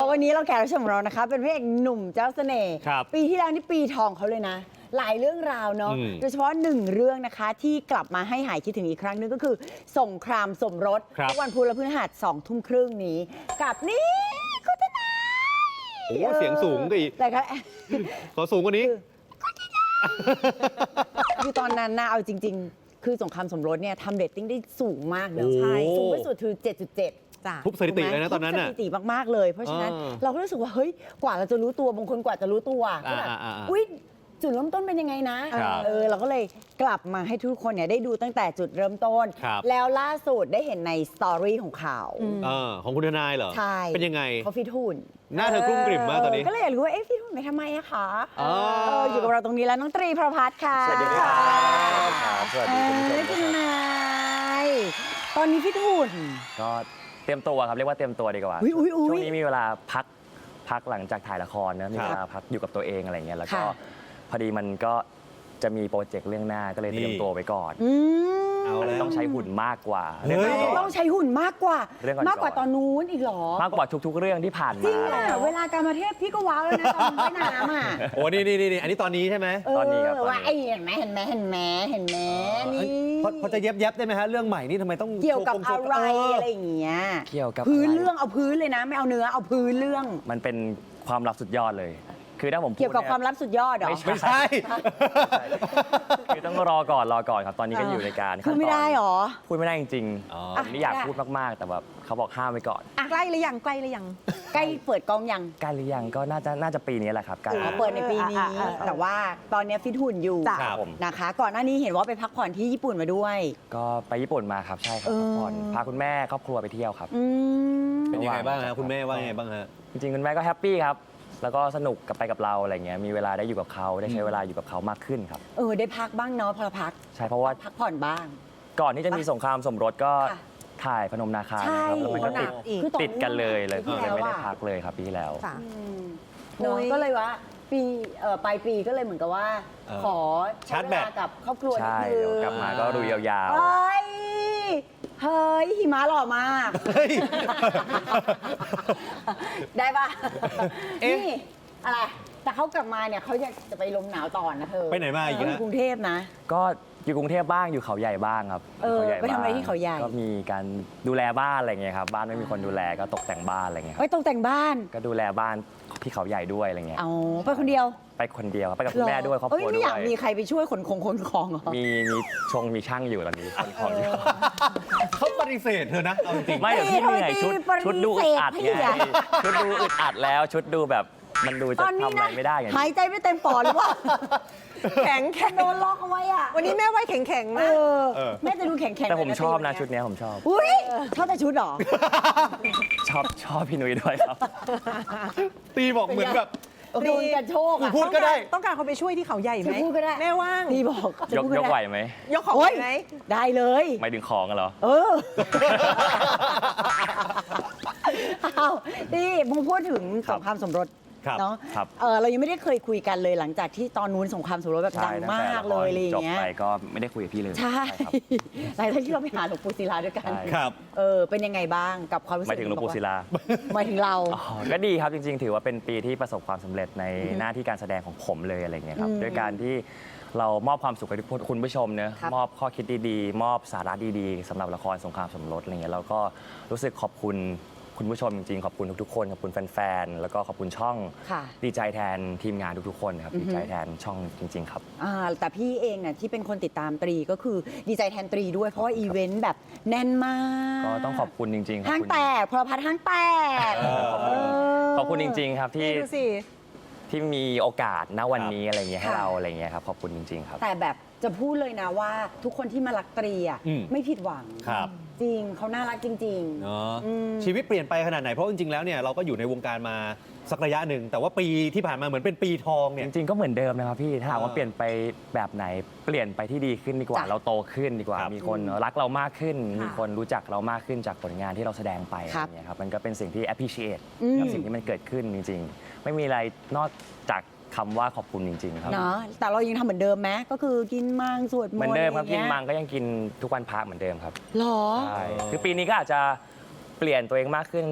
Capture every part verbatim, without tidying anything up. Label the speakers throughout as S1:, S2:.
S1: วันนี้เราแขกรับเชิญของเรานะคะเป็นพระเอกหนุ่มเจ้าเสน่ห์ปีที่แล้วนี่ปีทองเขาเลยนะหลายเรื่องราวเนาะโดยเฉพาะหนึ่งเรื่องนะคะที่กลับมาให้หายคิดถึงอีกครั้งนึงก็คือสงครามสมรสทุกวันพุธและพฤหัสสองทุ่มครึ่งนี้กับนี่คุณทนาย
S2: โอ้เสียงสูงก็อีก
S1: แต่ก็
S2: ขอสูงกว่านี้
S1: คือตอนนั้นนะเอาจริงๆคือสงครามสมรสเนี่ยทำเรตติ้งได้สูงมากเลยใช่สูงที่สุดคือ เจ็ดจุดเจ็ด
S2: ทุบสถิติเลยนะตอนนั้นน่ะ
S1: ทุบสถิติมากๆเลยเพราะฉะนั้นเราก็รู้สึกว่าเฮ้ยกว่าเราจะรู้ตัวบางคนกว่าจะรู้ตัวก็แบบอุ้ยจุดเริ่มต้นเป็นยังไงนะเออเราก็เลยกลับมาให้ทุกคนเนี่ยได้ดูตั้งแต่จุดเริ่มต้นแล้วล่าสุดได้เห็นในสตอรี่ของเขา
S2: ของคุณทนายเหรอ
S1: ใช่
S2: เป็นยังไง
S1: เขาฟิตหุ่น
S2: หน้าเธอกลุ้มกลิ่มมากตอนนี้
S1: ก็เลยอยากรู้ว่าเอ๊ะฟิตหุ่นไปทำไมอะคะอยู่กับเราตรงนี้แล้วน้องตรีพรพัฒน์ค่ะ
S2: สวัสดีครับ
S1: สวัสดีคุณทนายตอนนี้ฟิตหุ่น
S3: ก็เตรียมตัวครับเรียกว่าเตรียมตัวดีกว่าช่วงนี้มีเวลาพักพักหลังจากถ่ายละครนะมีเวลาพักอยู่กับตัวเองอะไรเงี้ยแล้วก็พอดีมันก็จะมีโปรเจกต์เรื่องหน้าก็เลยเตรียมตัวไปก่อนต้องใช้หุ่นมากกว่า
S1: ต้องใช้หุ่นมากกว่ามากกว่าตอนนู้นอีกหรอ
S3: มากกว่าทุกๆเรื่องที่ผ่านมา
S1: จริงอ่ะเวลาการมาเทพพี่ก็ว้าวแล้วนะตอนว่ายน้ำอ่ะ
S2: โอ้นี่นี่นี่อันนี้ตอนนี้ใช่ไหม
S3: ตอนนี้ครับ
S1: ว่าไอ้เห็นไหมเห็นไหมเห็นไหมเห็นไหมนี่
S2: พอจะเย็บเย็บได้ไหมฮะเรื่องใหม่นี่ทำไมต้อง
S1: เกี่ยวกับอะไรอะไรอย่างเงี้ย
S3: เกี่ยวกับ
S1: พื้นเรื่องเอาพื้นเลยนะไม่เอาเนื้อเอาพื้นเรื่อง
S3: มันเป็นความลับสุดยอดเลยคือถ้าผม
S1: เกี่ยวกับความลับสุดยอดเหรอ
S2: ไม่ใช่
S3: คือต้องรอก่อนรอก่อนครับตอนนี้ก็อยู่ในการ
S1: พูดไม่ได้หรอ
S3: พูดไม่ได้จริงๆผมนี่อยากพูดมากๆแต่แบบเขาบอกห้ามไว้ก่อน
S1: ใกล้หรือยังใกล้หรือยังใกล้เปิดกองยัง
S3: ใกล้หรือยังก็น่าจะน่าจะปีนี้แหละครับใกล้
S1: เปิดในปีนี้แต่ว่าตอนนี้ฟิตหุ่นอยู่นะคะก่อนหน้านี้เห็นว่าไปพักผ่อนที่ญี่ปุ่นมาด้วย
S3: ก็ไปญี่ปุ่นมาครับใช่ครับพักผ่อนพาคุณแม่ครอบครัวไปเที่ยวครับ
S2: เป็นยังไงบ้างฮะคุณแม่ว่าไงบ้างฮะ
S3: จริงๆคุณแม่ก็แฮปปี้ครับแล้วก็สนุกกับไปกับเราอะไรเงี้ยมีเวลาได้อยู่กับเขาได้ใช้เวลาอยู่กับเขามากขึ้นครับ
S1: เออได้พักบ้างเนาะพอพัก
S3: ใช่เพราะว่า
S1: พักผ่อนบ้าง
S3: ก่อนที่จะมีสงครามสมรสก็ถ่ายพนมนาคานะครับแล้วมันก็ติดติดกันเลยเลยก็เลยไม่ได้พักเลยครับปีที่แล้ว
S1: เนาะก็เลยว่าปีปลายปีก็เลยเหมือนกับว่าขอ
S2: ชาร์จแบต
S1: กับครอบครัว
S3: ใช่กลับมาก็ดูยาว
S1: ๆเฮ้ยหิมะหล่อมากได้ปะนี่อะไรแต่เขากลับมาเนี่ยเขาอยากจะไปลมหนาวต่อนะเธอ
S2: ไปไหนมาอีก
S1: นะกรุงเทพนะ
S3: ก็อยู่กรุงเทพบ้างอยู่เขาใหญ่บ้างครับ
S1: เออไปทำอะไรที่เขาใหญ่
S3: ก็มีการดูแลบ้านอะไรเงี้ยครับบ้านไม่มีคนดูแลก็ตกแต่งบ้านอะไรเงี้ย
S1: ไปตกแต่งบ้าน
S3: ก็ดูแลบ้านที่เขาใหญ่ด้วยอะไรเงี้ย
S1: เอาไปคนเดียว
S3: ไปคนเดียวไปกับคุณแม่ด้วยครอบครัวด้วย
S1: ไม่อยากมีใครไปช่วยขนของขนของเหรอ
S3: มีมีชงมีช่างอยู่ตอนนี้ขนของอยู่
S2: เขาปฏิเสธเธอนะเอาจริง
S3: ไม่เดี๋ยวพี่เหนื่อยชุดชุดดูอึดอัดไงชุดดูอึดอัดแล้วชุดดูแบบมันดูจะทำอะไรไม่ได้ไง
S1: หายใจไม่เต็มปอดหรือว่าแข็งแข็งโดนล็อกเอาไว้อ่ะวันนี้แม่ไว้แข็งแข็งมากแม่จะดูแข็งแข็ง
S3: แต่ผมชอบนะชุดนี้ผมชอบ
S1: อุ้ยชอบแต่ชุดหรอ
S3: ชอบชอบพี่นุ้ยด้วยครับ
S2: ตีบอกเหมือนแบบ
S1: โดนกันโชค
S2: พูดก็ได้
S4: ต้องการเขาไปช่วยที่เขาใหญ่ไหม
S1: พูดก็ได้
S4: แม่ว่าง
S1: ตีบอก
S3: ยกยกไหวไหม
S4: ยกของไหม
S1: ได้เลย
S3: ไม่ดึงของกันเหรอ
S1: เออเอาตีมึงพูดถึงสงครามสมรสเนาะเออเรายังไม่ได้เคยคุยกันเลยหลังจากที่ตอนนู้นสงครามสมรสแบบดังมากเลยอะไรอย่างเงี้ย
S3: จบไปก็ไม่ได้คุยกับพี่เลย
S1: ใช่หลังจากที่เราไปหาหลวงปู่ศิลาด้วยกัน
S2: ครับ
S1: เออเป็นยังไงบ้างกับความรู้สึก
S3: หมายถึงหลวงปู่ศิลา
S1: หมายถึงเรา
S3: ก็ดีครับจริงๆถือว่าเป็นปีที่ประสบความสำเร็จในหน้าที่การแสดงของผมเลยอะไรเงี้ยครับด้วยการที่เรามอบความสุขให้คุณผู้ชมเนอะมอบข้อคิดดีๆมอบสาระดีๆสำหรับละครสงครามสมรสอะไรเงี้ยแล้วก็รู้สึกขอบคุณคุณผู้ชมจริงๆขอบคุณทุกๆคนขอบคุณแฟนๆแล้วก็ขอบคุณช่องดีใจแทนทีมงานทุกๆคนครับดีใจแทนช่องจริงๆครับ
S1: แต่พี่เองเนี่ยที่เป็นคนติดตามตรีก็คือดีใจแทนตรีด้วยเพราะว่าอีเวนต์แบบแน่นมาก
S3: ก็ต้องขอบคุณจริงๆ
S1: ห้างแตกพลพัฒน์ห้างแตก
S3: ขอบคุณจริงๆครับที่ที่มีโอกาสณวันนี้อะไรเงี้ยให้เราอะไรเงี้ยครับขอบคุณจริงๆครับ
S1: แต่แบบจะพูดเลยนะว่าทุกคนที่มารักตรีอ่ะไม่ผิดหวังจริงเขาน่ารักจริงๆเนาะ
S2: ชีวิตเปลี่ยนไปขนาดไหนเพราะจริงๆแล้วเนี่ยเราก็อยู่ในวงการมาสักระยะหนึ่งแต่ว่าปีที่ผ่านมาเหมือนเป็นปีทองเนี่ย
S3: จริงๆก็เหมือนเดิมนะครับพี่ถ้าถามว่าเปลี่ยนไปแบบไหนเปลี่ยนไปที่ดีขึ้นดีกว่าเราโตขึ้นดีกว่ามีคนรักเรามากขึ้นมีคนรู้จักเรามากขึ้นจากผลงานที่เราแสดงไปอะไรเงี้ยครับมันก็เป็นสิ่งที่ appreciate กับสิ่งที่มันเกิดขึ้นจริงๆไม่มีอะไรนอกจากคำว่าขอบคุณจริงๆครับ
S1: เนาะแต่เรายังทำเหมือนเดิมไหมก็คือกินมังสวดมนต์
S3: เหมือนเดิมครับกินมังก็ยังกินทุกวันพระเหมือนเดิมครับ
S1: หรอ
S3: ใช่คือปีนี้ก็อาจจะเปลี่ยนตัวเองมากขึ้น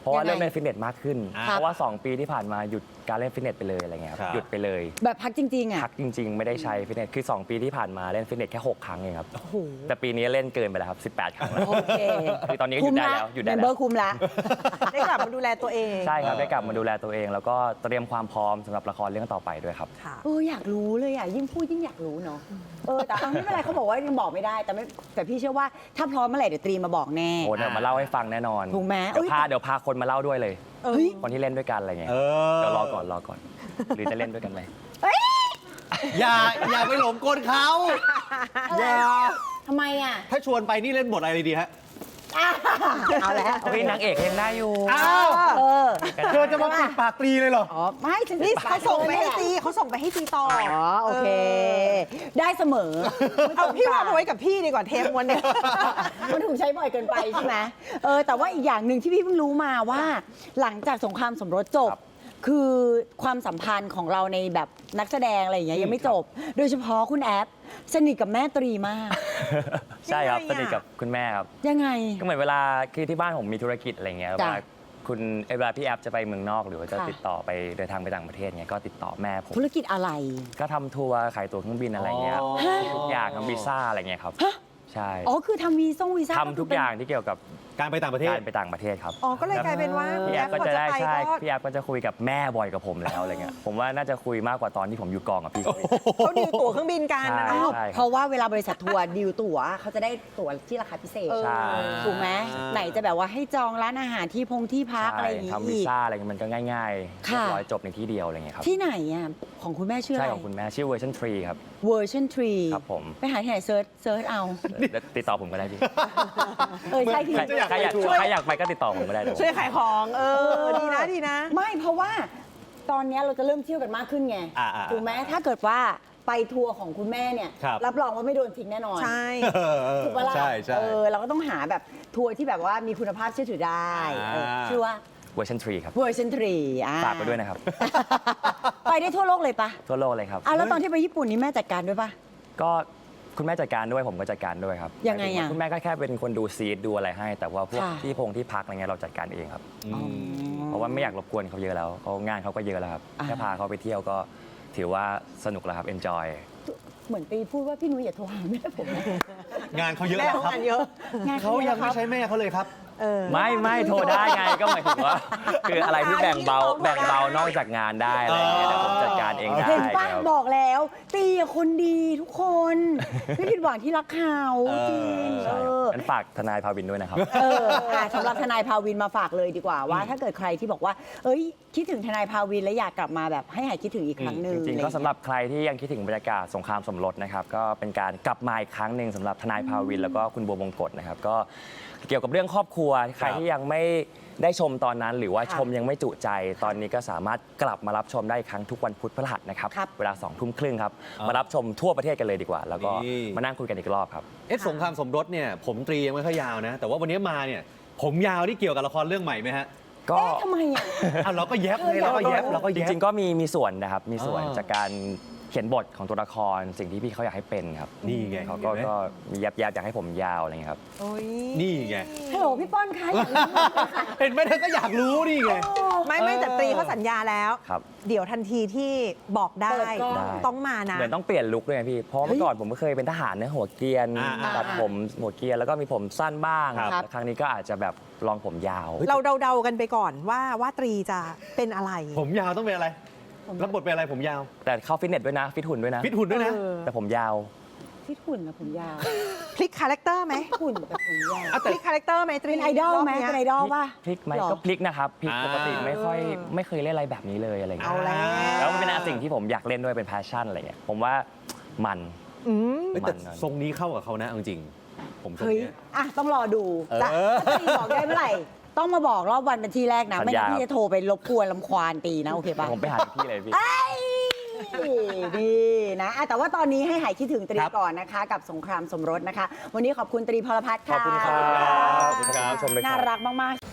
S3: เพราะว่า
S1: ยังไง
S3: เริ่มเล่นฟิตเนสมากขึ้น
S2: ครับ
S3: เพราะว่า สอง ปีที่ผ่านมาหยุดการเล่นฟิตเนสไปเลยอะไรเงี้ยค
S2: ครั
S3: รับบ หยุดไปเลย
S1: แบบพักจริงๆอ่ะ
S3: พักจริง ๆ ไม่ได้ใช้ฟิตเนสคือ สอง ปีที่ผ่านมาเล่นฟิตเนสแค่หกครั้งเองครับ
S1: โอ้โห
S3: แต่ปีนี้เล่นเกินไปแล้วครับสิบแปดครั้งแล้ว
S1: โอเค
S3: คือตอนนี้ก็หยุดได้แล้วหยุดได้
S1: เมม
S3: แล้ว
S1: เบอร์คุมละ
S4: ได้กลับมาดูแลตัวเอง
S3: ใช่ครับได้กลับมาดูแลตัวเอง แล้วก็เตรียมความพร้อมสำหรับละครเรื่องต่อไปด้วยครับ
S4: ค่ะ
S1: เอออยากรู้เลยอ่ะยิ่งพูดยิ่งอยากรู้เนาะเออแต่เอาไม่เป็นไรเขาบอกว่ายังบอกไม่ได้แต่ไม่แต่พี่เชื่อว่าถ้าพร้อมเมื่อไหร่เดี๋ยวตรีมาบอกแน่
S3: โอ้เดี๋ยวมาเล่าให้ฟังแน่นอน
S1: ถูกไหม
S3: เดี๋ยว
S1: เอ้ย
S3: พาเดี๋ยวพาคนมาเล่าด้วยเลย
S4: เออ
S1: เฮ้ย
S3: คนที่เล่นด้วยกันอะไรเงี้ย
S2: เออ
S3: เดี๋ยวรอก่อนรอก่อน หรือจะเล่นด้วยกันไหม
S2: อย่าอย่าไปหลงกลเขาอย่า
S1: ทำไมอ่ะ
S2: ถ้าชวนไปนี่เล่นบทอะไรดีฮะ
S1: อ่ะเอาแล้ว
S3: เฮ้ยนางเอกยังได้อยู่
S2: อ้าว
S1: เออ
S2: เธอจะมาปิดปากตรีเลยเหรอ
S1: อ๋อไม่ฉัน
S4: นี่
S1: ป
S4: เขาส่งไปให้
S1: ตี
S4: ตีเขาส่งไปให้ตีต่อ
S1: อ๋อโอเค ได้เสมอ
S4: เอาพี่ว่ามาไว้กับพี่ดีกว่าเทปวันเนี้ย
S1: มันถูกใช้บ่อยเกินไปใช่ไหมเออแต่ว่าอีกอย่างหนึ่งที่พี่เพิ่งรู้มาว่า หลังจากสงครามสมรสจบ
S3: ครับ
S1: คือความสัมพันธ์ของเราในแบบนักแสดงอะไรอย่างเงี้ยยังไม่จบ โดยเฉพาะคุณแอฟสนิทกับแม่ตรีมาก
S3: ใช่ครับ
S4: ยัง
S3: ส
S4: ไงอะ
S3: นิทกับคุณแม่ครับ
S1: ยังไง
S3: ก็เหมือนเวลาคือที่บ้านผมมีธุรกิจอะไรเงี้ยเว
S1: จ้ะ
S3: ลาคุณเวลาพี่แอฟจะไปเมืองนอกหรือว่าจะ
S1: ค่ะ
S3: ติดต่อไปเดินทางไปต่างประเทศเงี้ยก็ติดต่อแม่ผม
S1: ธุรกิจอะไร
S3: ก็ทำทัวร์ขายตั๋วเครื่องบินอะไรเงี้ย
S2: อ๋อ
S3: ทุกอย่างทำวีซ่าอะไรเงี้ยครับ
S1: ฮะ
S3: ใช่
S1: อ๋อคือทำวีซ่งวีซ่า
S3: ทำทุกอย่างที่เกี่ยวกับ
S2: การไปต่างประเทศ
S3: การไปต่างประเทศครับ
S4: อ๋อ ก็เลยกลายเป็นว่า
S3: พี่แอฟก็
S4: พอ
S3: จะได้
S4: ไป
S3: ใช่
S4: ก็
S3: พี่แอฟก็จะคุยกับแม่บ่อยกับผมแล้วอะไรเงี้ยผมว่าน่าจะคุยมากกว่าตอนที่ผมอยู่กองกับพี่เขาอีก
S4: เขาดีลตั๋วเครื่องบินกันนะ
S3: ใช่
S4: เนาะ
S3: ครับ
S1: เพราะว่าเวลาบริษัททัวร์ดีลตั๋วเขาจะได้ตั๋วที่ราคาพิเศษ
S4: เออ
S3: ใช่
S1: ถูกไหม
S2: ใช่
S1: ไหนจะแบบว่าให้จองร้านอาหารที่พงที่พักอะไรอย่างงี้
S3: ทำวี
S1: อีก
S3: ซ่าอะไรเงี้ยมันก็ง่ายๆเรี
S1: ค่ะ
S3: ยบร้อยจบในที่เดียวอะไรเงี้ยครับ
S1: ที่ไหนอ่ะของคุณแม่ชื่ออะ
S3: ใช่
S1: ไร
S3: ของคุณแม่ชื่อเวอร์ชันทรีครับ
S1: เวอร์ชันทรี
S3: ครับผม
S1: ไปหาที่ไหนเซิร์ชเซิร์ชเอา
S3: เดี๋ยวติดต่อผมก็ได้พี่
S1: เออใช่ที่
S3: ใคร
S2: จะอยาก
S3: ใครอยาก
S2: ไปทัวร์
S3: ใครอยากไปก็ติดต่อผมก็ได้เดี๋ยว
S4: ช่วยขายของ เออ ดีนะดีนะ
S1: ไม่เพราะว่าตอนเนี้ยเราจะเริ่มเที่ยวกันมากขึ้นไง
S2: อ่าอ่า
S1: ถูกไหมถ้าเกิดว่าไปทัวร์ของคุณแม่เนี่ย
S2: ครับ
S1: รับรองว่าไม่โดนทิ้งแน่นอน
S4: ใช่
S2: เออเออ
S1: ถูกปะล่ะ
S2: ใช่ใช่
S1: เออเราก็ต้องหาแบบทัวร์ที่แบบว่ามีคุณภาพเชื่อถือได้
S2: อ่า
S1: เออชื่อว่า
S3: เวอร์ชันทรีครับ
S1: เวอร์ชันทรีอ่า
S3: ฝากไปด้วยนะครับ
S1: ไปได้ทั่วโลกเลยปะ
S3: ทั่วโลกเลยครับ
S1: อ่ะแล้วตอนที่ไปญี่ปุ่นนี่แม่จัดการด้วยปะ
S3: ก็คุณแม่จัดการด้วยผมก็จัดการด้วยครับ
S1: ยังไงอะ
S3: คุณแม่ก็แค่เป็นคนดูซีดดูอะไรให้ แต่ว่าพวก
S1: ค่ะ
S3: ที่พงที่พักอะไรเงี้ยเราจัดการเองครับ
S2: อืม
S3: เพราะว่าไม่อยากรบกวนเขาเยอะแล้วเขางานเขาก็เยอะแล้วครับ
S1: อ่า
S3: แค่พาเขาไปเที่ยวก็ถือว่าสนุกแล้วครับ enjoy
S1: เหมือนตีพูดว่าพี่นุ้ยอย่าโทรหาแม่ผมนะ
S2: งานเขาเยอะ
S4: แม่
S2: แล้ว
S4: ของ
S2: ครับ
S4: งานเยอะ
S1: งาน
S2: เขายังไม่ใช้แม่เขาเลยครับ
S4: เออ
S3: ไม่ไม่โทรได้ไงก็หมายถึงว่า คืออะไรที่แบ่งเบาแบ่งเบานอกจากงานได้อะไรอย่างเงี้ยแต่ผมจัดการเองได้
S1: เห็นป้า
S3: ครับ
S1: บอกแล้ว ตีอะคนดีทุกคน ไม่ผิดหวังที่รักเขา
S2: เออ
S1: จริง
S3: ใช่
S1: เอ
S3: ครับ
S1: อ
S3: งั้นฝากทนายพาวินด้วยนะครับ
S1: เอออ่ะสำหรับทนายภาวินมาฝากเลยดีกว่าว่า ถ้าเกิดใครที่บอกว่า เอ้ย คิดถึงทนายภาวินแล้วอยากกลับมาแบบให้หายคิดถึงอีกครั้งหนึ่ง
S3: จริงๆ
S1: อะ
S3: ก็
S1: ไอย่า
S3: สำหรับใครที่ยังคิดถึงบรรยากาศสงครามสมรสนะครับก็เป็นการกลับมาอีกครั้งหนึ่งสำหรับทนายภาวินแล้วก็คุณบัวบงกฎนะครับก็เกี่ยวกับเรื่องครอบครัวใครที่ยังไม่ได้ชมตอนนั้น หรือว่า
S1: ค่ะ
S3: ชมยังไม่จุใจ ตอนนี้ก็สามารถกลับมารับชมได้อีกครั้งทุกวันพุธพฤหัสนะครับ
S1: ครับ
S3: เวลาสองทุ่มครึ่งครับ
S2: อ่าม
S3: มารับชมทั่วประเทศกันเลยดีกว่า แล้วก็
S2: นี่
S3: มานั่งคุยกันอีกรอบครับ
S2: เอ๊ะสงครามสมรสเนี่ยผมตรียังไม่ค่อยยาวนะ แต่ว่าวันนี้มาเนี่ย ผมยาวนี่เกี่ยวกับละครเรื่องใหม่ไหมฮะ
S3: ก็
S1: เอ๊ะทำไมอ่ะ
S2: อ้าวเราก็แยบเลยเราก็แยบเราก็
S3: จ
S2: แยบ
S3: ริงๆ ก็มีมีส่วนนะครับมีส่วน
S2: อ่า
S3: จากการเขียนบทของตัวละครสิ่งที่พี่เขาอยากให้เป็นครับ
S2: นี่ไง
S3: เขาก็
S2: เห็นไหม
S3: ก็มียับยับอยากให้ผมยาวอะไรเงี้ยครับ
S4: โอ้ย
S2: นี่ไง
S1: ฮัลโหลพี่ป้อนคะอยากรู้ไหมคะ
S2: เห็นไหมเธอก็อยากรู้นี่ไง
S4: ไม่ไม่แต่ตรีเขาสัญญาแล้ว
S3: ครับ
S4: เดี๋ยวทันทีที่บอกได้
S1: เปิดกล้อง
S4: ต้องมานะ
S3: เหมือนต้องเปลี่ยนลุคด้วยไงพี่ เพราะเมื่อก่อนผมก็เคยเป็นทหารเนื้อหัวเกรียน
S2: อ่าอ่า
S3: ตัดผมหัวเกรียนแล้วก็มีผมสั้นบ้าง
S2: ครับ
S3: แต่ครั้งนี้ก็อาจจะแบบลองผมยาว
S4: เราเดาๆกันไปก่อนว่าว่าตรีจะเป็นอะไร
S2: ผมยาวต้องเป็นอะไร รับบทเป็นอะไรผมยาว
S3: แต่เข้าฟิตเนสด้วยนะ ฟิตหุ่นด้วยนะ
S2: ฟิตหุ่นด้วยนะ
S4: เออ
S3: แต่ผมยาว
S1: พี่หุ่นนะผมยาว
S4: พลิกคาแรคเตอร์ไหม
S1: หุ่นแต่ผมยาว
S2: อ่ะ
S4: พลิกคาแรคเตอร์ไหมตรี
S1: เป็นไอดอลไหม
S4: รบนี้ย
S1: เป็นไอดอลป่ะ
S3: พลิกไหม
S1: หรอ
S3: ก็พลิกนะครับพลิก
S2: อ่า
S3: ปกติไม่ค่อย
S4: เออ
S3: ไม่เคยเล่นอะไรแบบนี้เลยอะไร
S4: เอา
S3: เงี้ย
S4: แล้ว
S3: แล้วมันเป็นสิ่งที่ผมอยากเล่นด้วยเป็นแพชชั่นอะไรเงี้ยผมว่ามัน
S4: อืม
S2: เฮ้ยแต่
S3: มัน
S2: ทรงนี้เข้ากับเขานะเอาจริงๆผมทรง
S1: เฮ้ย
S2: เนี้ย
S1: อ่ะต้องรอดู
S2: เออ
S1: จะถ้าตีบอกได้เมื่อไหร่ ต้องมาบอกรอบวันเป็นที่แรกนะ
S3: สัญ
S1: ไม่
S3: ญา
S1: งั้นพี่จะโทรไปรบกวนลำควานตีนะ โอเคปะ
S3: ผมไปหาที่เลยพี่
S1: เอ้ยดีนะอ่ะแต่ว่าตอนนี้ให้หายคิดถึงตรี
S2: ครับ
S1: ก่อนนะคะ กับสงครามสมรสนะคะ วันนี้ขอบคุณตรีพลพัฒน์
S2: ขอบ
S1: ค่ะ
S2: คุณครับ
S3: ขอบคุณครับชมเลยครับ
S1: น่ารักมาก ๆ